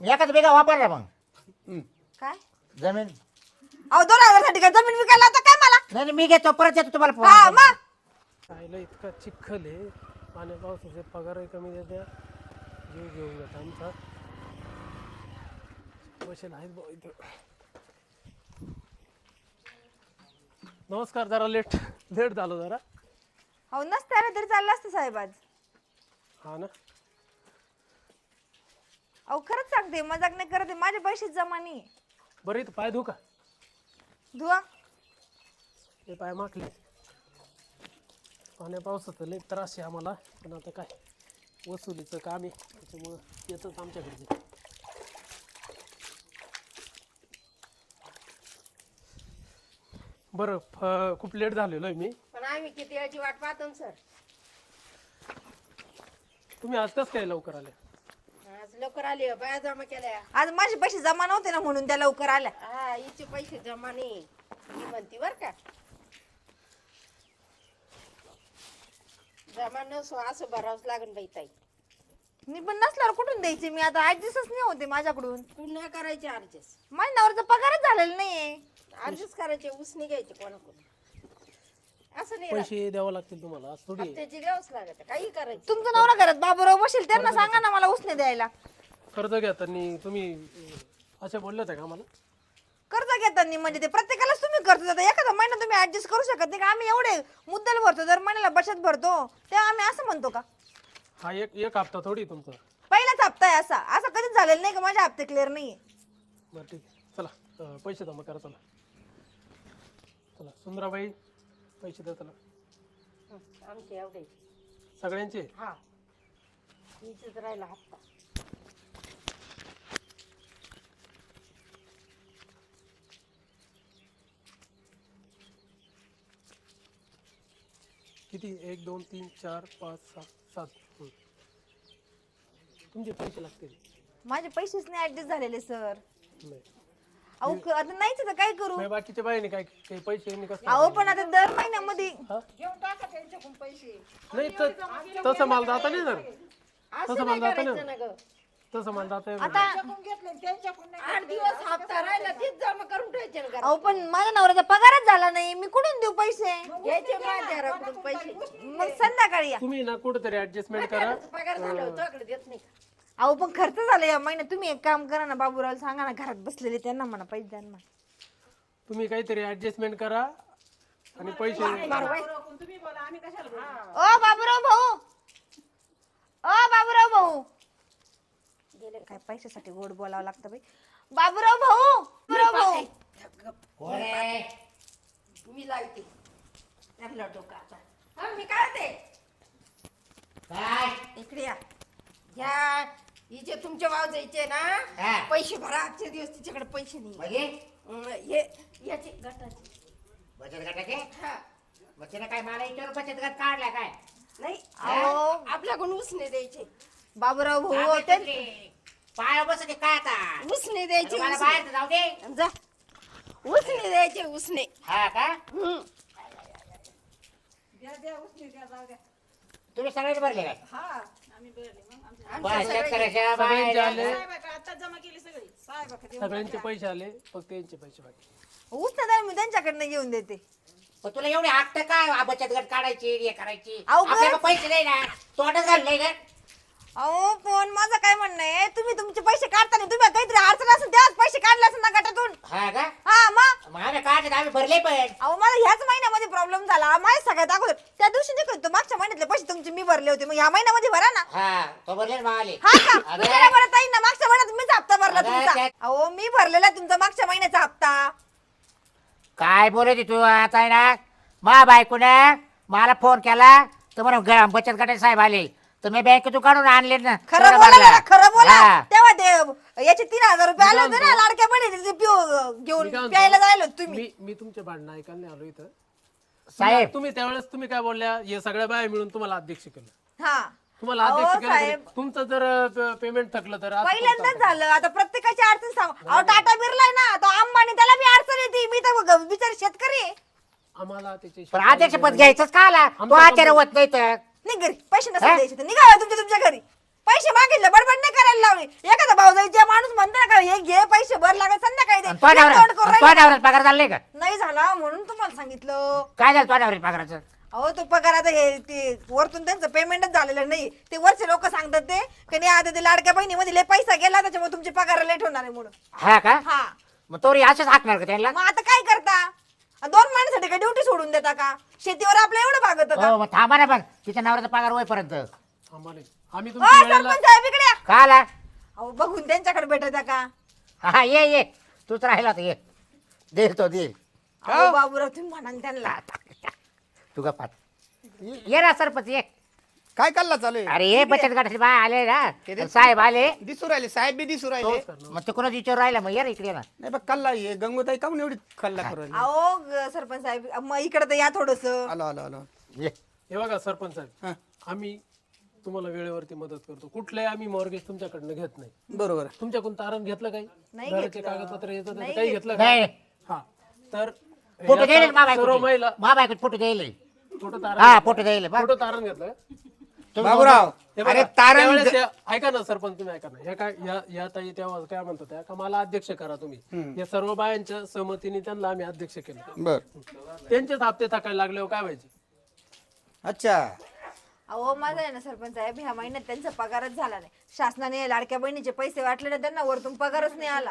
एखाद बिघा वापरला मग काय जमीन. अहो 2000 साठी काय जमीन विकायला होता काय मला? नाही मी घेतो परत देतो तुम्हाला हा फोन. मग खायला इतका चिखल आहे पाण्या पावसाचे पगारही कमी देत्या जीव घेऊन जात आमचा बसेल आहेत भाऊ इथं. नमस्कार. जरा लेट झालो जरा. अहो नसत्याला तरी चाललं असतं साहेब आज. हा ना. अहो खरंच सांगते मजाक नाही करते माझे पैसे जमा नाही. बरं इथं पाय धू का? धुवा हे पाय माखले. पाण्या पावसाचं लई त्रास आहे आम्हाला पण आता काय वसुलीचं काम आहे त्याच्यामुळं येतच आमच्याकडे. बरं खूप लेट झालेलो आहे मी. पण आम्ही किती वेळची वाट पाहतो ना सर. तुम्ही आज कसं काय लवकर आले? आज लवकर आली बाया जमा केल्या. आज माझे पैसे जमा नव्हते ना म्हणून त्या लवकर आल्या. हा हिचे पैसे जमा नाही ही म्हणती बर का. जमा नसो असं भरावंच लागेल बाई ताई. मी पण नसल्यावर कुठून द्यायचे मी आता 8 दिवसच नाही होते माझ्याकडून. पुन्हा करायचे अर्जेस. माझ्या नवऱ्याचा पगारच झालेला नाहीये. अर्जेस करायचे उसने घ्यायचे कोणाकडून असं नाही राहत. पैसे द्यावं लागतील तुम्हाला आज थोडी. हप्त्याची द्यावंच लागत काही करायचं. तुमचा नवरा घरात बाबूराव बसेल त्यांना सांगा ना मला उसने द्यायला. कर्ज घेताना तुम्ही असे बोलले होते का आम्हाला? कर्ज घेताना म्हणजे ते प्रत्येकालाच तुम्ही कर्ज देता एखादा महिना तुम्ही ऍडजस्ट करू शकत नाही का? आम्ही एवढे मुद्दल भरतो दर महिन्याला बचत भरतो तेव्हा आम्ही असं म्हणतो का? हा एक हप्ता थोडी तुमचा. पहिलाच हप्ता आहे असा असं कधीच झालेलं नाही का माझे हप्ते क्लिअर नाहीये. बरं ठीक आहे चला पैसे जमा करा चला. चला सुंदराबाई पैसे द्या चला आमचे एवढे सगळ्यांचे. हा हिचेच राहिला हप्ता. किती 1 2 3 4 5 6 7 तुमचे पैसे लागतील. माझे पैसेच नाही ऍडजस्ट झालेले सर. नाही अहो आता नाहीच तर काय करू? नाही, बाकीच्या बाईने काय काही पैसे यांनी कसं अहो पण आता दर महिन्यामध्ये घेऊन टाका त्यांच्याकडून पैसे. नाही तसं माल जाता नाही जर असं तसं नाही मला जातं करायचं ना ग. तसं माल जाता आता 8 दिवस हप्ता राहिला तीच जमा करून ठेवायचे ना घरात. अहो पण माझ्या नवऱ्याचा पगारच झाला नाही मी कुठून देऊ पैसे? घ्यायचे माझ्या घराकडून पैसे. मग संध्याकाळी या. तुम्ही ना कुठेतरी ऍडजस्टमेंट करा. पगार झाला होता देत नाही का? अहो पण खर्च झाला या महिन्यात तुम्ही एक काम करा ना बाबूराव सांगा ना घरात बसलेले त्यांना म्हणा पैसे द्या ना. तुम्ही काहीतरी ऍडजस्टमेंट करा आणि पैसे. ओ बाबूराव भाऊ ओ बाबूराव भाऊ गेले काय पैशासाठी गोड बोलावं लागतं बाई. बाबूराव भाऊ बाबूराव भाऊ मी लावते आपला डोका आता. हा मी काढते. काय इकडे या. ह्या हिचे तुमचे वाव जायचे ना हा. पैसे भरा आजचे दिवस तिच्याकडे पैसे नाही. म्हणजे हे याचे गटाचे. बचत गटाचे हा मग तिने काय मला इतर बचत गट काढला काय? नाही अहो. आपल्याकडून उसने द्यायचे. बाबूराव भाऊ ते पाय बसते काय आता? उसने द्यायचे. मला उसने. बाहेर जाऊ दे. जा उसने द्यायचे उसने. हा का हम्म. तुम्ही सगळेच भरले काय? आमच्या बस, सगळ्या- शेतकऱ्याच्या सगळ्यांचे बाया- आले सगळ्यांचे पैसे आले फक्त यांचे पैसे बाकी. उसने मी त्यांच्याकडनं घेऊन देते. पण तुला एवढी हट्ट काय बचत गट काढायची हे करायची? अहो, आपल्याला पैसे नाही ना तोंड घाललंय का? अहो पण माझं काय म्हणणं आहे तुम्ही तुमचे पैसे काढताना तुम्ही काहीतरी अडचण असेल तेव्हाच पैसे काढले असेल ना गटातून. हा का हा मग आम्ही काढले आम्ही भरले पण अहो मला ह्याच महिन्यामध्ये प्रॉब्लेम झाला माझ्या सगळ्यात अगोदर त्या दिवशी नाही का तो मागच्या महिन्यातले पैसे तुमचे मी भरले होते मग ह्या महिन्यामध्ये भरा ना. हा तो भरले ना आले हा का अगं. दुसऱ्या बरं ताई ना मागच्या महिन्यात मीच हप्ता भरला अगं, तुमचा. त्या- अहो मी भरलेला तुमचा मागच्या महिन्याचा हप्ता. काय बोलत तू आता आहे ना मा बायकोने मला फोन केला तर म्हणून बचत गटाचे साहेब आले तर मी बँकेतून काढून आणले ना खरं तेवढं बोला भरलं. जरा, खरं बोला. हा. तेव्हा ते याचे 3000 रुपये आले होते ना लाडक्या बहिणीचे ते मी घेऊन काय प्यायला म्हणतो, जायला होते तुम्ही. मी तुमचे भांडणं ऐकायला नाही आलो इथं. साहेब तुम्ही त्यावेळेस तुम्ही काय बोलल्या हे सगळ्या बाया मिळून तुम्हाला अध्यक्ष केलं. हा तुम्हाला अहो, अध्यक्ष केलं साहेब. तरी तुमचं जर पेमेंट थकलं तर असं पहिल्यांदाच करता. झालं आता प्रत्येकाची अडचण सांग. अहो टाटा बिर्ला ना तो अंबानी त्याला बी अडचण येते मी तर बिचारी शेतकरी आहे. आम्हाला त्याचे पण अध्यक्ष पद घ्यायचंच का आला तो आमच्या आचार्य होत नाही तर नाही घरी पैसे हा? नसेल द्यायचे तर निघा तुमच्या घरी. पैसे मागितले बडबड नाही करायला लावली. एखादा भाऊजाईचा माणूस म्हणतो ना का हे घे पैसे भर लागत संध्याकाळी दे. आणि तो हे तोंड करून राहिला. नवऱ्यात पगार झाले का? नाही झाला म्हणून तुम्हाला सांगितलं. काय झालं तो नवऱ्यात पगाराचं? अहो तो पगार आता हे ते वरतून त्यांचं पेमेंटच झालेलं नाही. ते वरचे लोक सांगतात ते की नाही आता ते लाडक्या बहिणीमध्ये लय पैसा गेला त्याच्यामुळे तुमचे पगार लेट होणार आहे म्हणून. हा का? हा मग तोरी असंच हाकणार का त्यांना? मग आता काय करता? 2 महिन्यासाठी काय ड्युटी सोडून देता का? शेतीवर आपलं एवढं भागत का? हो मग थांबा ना पण तिच्या नवऱ्याचा पगार होईपर्यंत. आम्हाला आम्ही ओ तुमच्या वेळेला सरपंच साहेब इकडे या. का आला? अहो बघून त्यांच्याकडे भेटत का? हा ये तूच राहिला तर ये. देईल तो देईल. अहो बाबूराव तुम्ही म्हणा ना त्यांना. तू का पाच ये ना सरपंच ये. काय कल्ला चालू आहे? अरे ये बचत गटाचे बाय आले ना साहेब आले. दिसू राहिले साहेब बी दिसू राहिले. मग ते कोणाच विचार राहिला मग ये ना इकडे ना. नाही बघ कल्ला ये गंगोताई काऊन एवढी कल्ला करू राहिली? अहो सरपंच साहेब मग इकडे तर या थोडस. आलो आलो आलो. ये. हे बघा सरपंच साहेब हा, आम्ही तुम्हाला वेळेवरती मदत करतो. कुठलंही आम्ही मॉर्गेज तुमच्याकडनं घेत नाही. बरोबर. तुमच्याकडून तारण घेतलं काही? नाही घराचे घेतलं. कागदपत्र येतात नाही काही घेतलं का? नाही हा तर फोटो या द्यायला मा सर्व महिला बायको फोटो द्यायला. फोटो तारण हा फोटो द्यायला बा. फोटो तारण घेतलं का? बाबूराव हे बघा, अरे तारण त्यावेळेस ऐका ना सरपंच तुम्ही ऐका ना ह्या काय या ताई तेव्हा काय म्हणतो त्या का मला अध्यक्ष करा तुम्ही. या सर्व बायांच्या सहमतीने त्यांना आम्ही अध्यक्ष केलं. बर. त्यांचेच हप्ते थकायला लागल्यावर काय व्हायचे? अच्छा. अहो माझा आहे ना सरपंच साहेब ह्या महिन्यात त्यांचा पगारच झाला नाही. शासनाने लाडक्या बहिणीचे पैसे वाटले ना त्यांना वरतून पगारच नाही आला.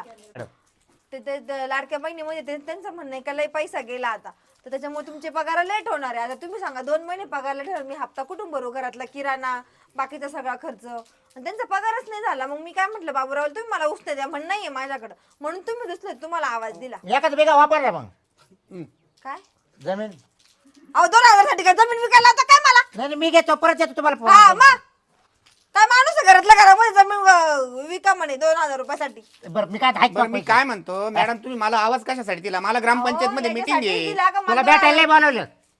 ते लाडक्या बहिणीमध्ये त्यांचं म्हणणं आहे का लय पैसा गेला आता तर त्याच्यामुळे तुमचे पगार लेट होणार आहे. आता तुम्ही सांगा 2 महिने पगार लेट होणार. मी हप्ता कुठून भरू? घरातला किराणा बाकीचा सगळा खर्च आणि त्यांचा पगारच नाही झाला. मग मी काय म्हटलं बाबूराव तुम्ही मला उसने द्या म्हण नाहीये माझ्याकडे म्हणून तुम्ही दुसरे तुम्हाला आवाज दिला. एखाद बेगा वापरला मग काय जमीन. अहो 2000 साठी काय जमीन विकायला होता काय मला? नाही मी घेतो परत देतो तुम्हाला हा फोन. मग काय माणूस आहे घरातल्या घरामध्ये जमीन विका म्हणे 2000 रुपयासाठी. बरं मी काय हाक बरं मी काय म्हणतो मॅडम तुम्ही मला आवाज कशासाठी दिला? मला ग्रामपंचायत मध्ये अहो, मीटिंग याच्यासाठी आहे. दिला का तुला मला? भेटायला नाही बोलवलं.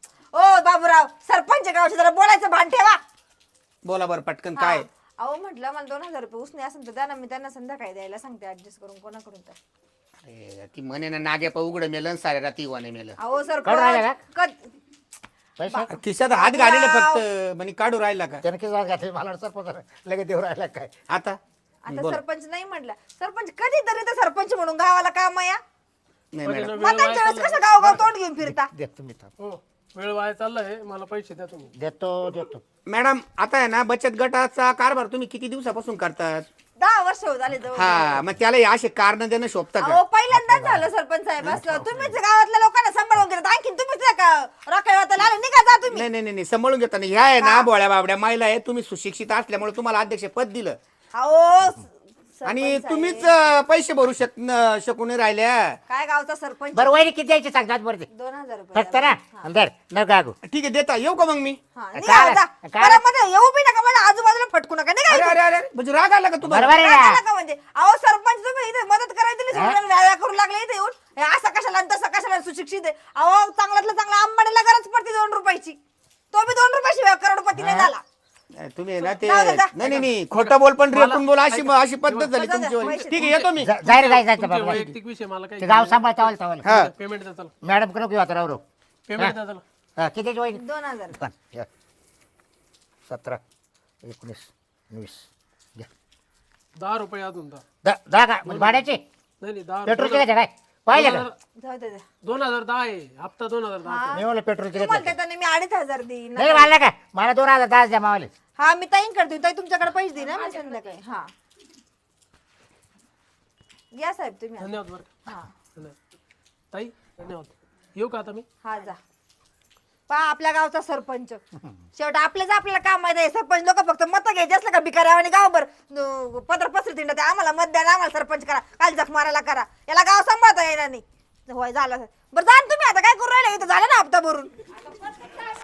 ओ बाबूराव सरपंच गावचे जरा बोलायचं भान ठेवा. बोला बरं पटकन काय? अहो म्हटलं मला 2000 रुपये उसने असेल तर द्या ना मी त्यांना संध्याकाळी द्यायला सांगते ऍडजस्ट करून कोणाकडून तर. अरे ती म्हणे ना नागे उघड मेलं सारे राती वाने मेलं. अहो काढून राहिला सरपंच पैसा खिशात हात घालेले फक्त म्हणे काढू राहिला का त्याने किती वाज घातले मला सरपंच लगेच देऊ राहिला काय. आता? आता सरपंच नाही म्हटलं. सरपंच कधीतरी तर सरपंच म्हणून गावाला काम या नाही मॅडम. मतांच्या वेळेस कसं गाव तोंड घेऊन फिरता. देतो मी थांब. हो वेळ वाया चाललाय मला पैसे द्या तुम्ही. देतो मॅडम आता आहे ना बचत गटाचा कारभार तुम्ही किती दिवसापासून करतात? 10 वर्ष होत आले जवळ. हा मग त्याला हे असे कारण देणं शोभतं का? अहो पहिल्यांदाच झालं सरपंच साहेब असलं. तुम्हीच गावातल्या लोकांना सांभाळून घेतात. आणखीन तुम्हीच रखडवायला आले निघा जा तुम्ही. नाही नाही नाही सांभाळून घेताना ह्या आहे ना बोळ्या बाबड्या महिला आहे. तुम्ही सुशिक्षित असल्यामुळे तुम्हाला अध्यक्ष पद दिलं अहो आणि सरपंच तुम्हीच साहेब. पैसे भरू शकून राहिल्या. काय गावचा सरपंच बरं वहिनी किती द्यायचे सांगतात बरं ते 2000 रुपये फक्त ना अंदर न गागू. ठीक आहे देता येऊ का मग मी? हा, काय निघा जा. काय? बरं, मध्ये येऊ बी नका मला आजूबाजूला फटकू नका निघा अरे इथून. अरे अरे म्हणजे राग आला का तुम्हाला? बरोबर आहे काय ना. झालं का म्हणजे अहो सरपंच तुम्ही इथे मदत करायला दिली सोडून व्याया करू लागले इथे येऊन. हे असं कशाला आणि तसं कशाला सुशिक्षित आहे. अहो चांगल्यातलं चांगला अंबाडीला गरज पडते 2 रुपयाची. तो बी 2 रुपयाची करोडपती नाही झाला. तुम्ही ना ते जाऊ दे, जा. नाही नाही खोटं बोल पण रेटून बोल अशी पद्धत झाली जा, जा, तुमची. पैसे- ठीक आहे येतो मी. जायला जायचं तुमचे बाबा. वैयक्तिक विषय मला ते काही गाव सांभाळ चावल चावल. हा पेमेंट द्या चला. मॅडम कडे घेऊ आता राव. पेमेंट द्या चला. हा किती वहिनी? 2000 17 19 20 घ्या. 10 रुपये अजून द्या. दहा का म्हणजे भाड्याचे नाही नाही 10 पेट्रोल किती काय पाहिलं का? जाऊ दे 2010 आहे हप्ता 2010. मी म्हणलं पेट्रोल किती तुम्हाला देताना मी 2500 देईन. नाही मला का मला 2010 द्या मावले. हा मी ताईन करते ताई तुमच्याकडे पैसे देईन ना मी संध्याकाळी. हा या साहेब तुम्ही आता. धन्यवाद बरं का. हा धन्यवाद ताई धन्यवाद. येऊ का आता मी? हा जा. पहा आपल्या गावचा सरपंच शेवट आपल्याच आपल्याला काम माहिती आहे. सरपंच लोक फक्त मत घ्यायचे असलं का भिकाऱ्या आणि गावभर पत्र पसरी तिंड आम्हाला मत द्या आम्हाला सरपंच करा काल जख मारायला करा. याला गाव सांभाळता येणार नाही. होय झालं बरं जा ना तुम्ही आता काय करू राहिले इथं झालं ना हप्ता भरून.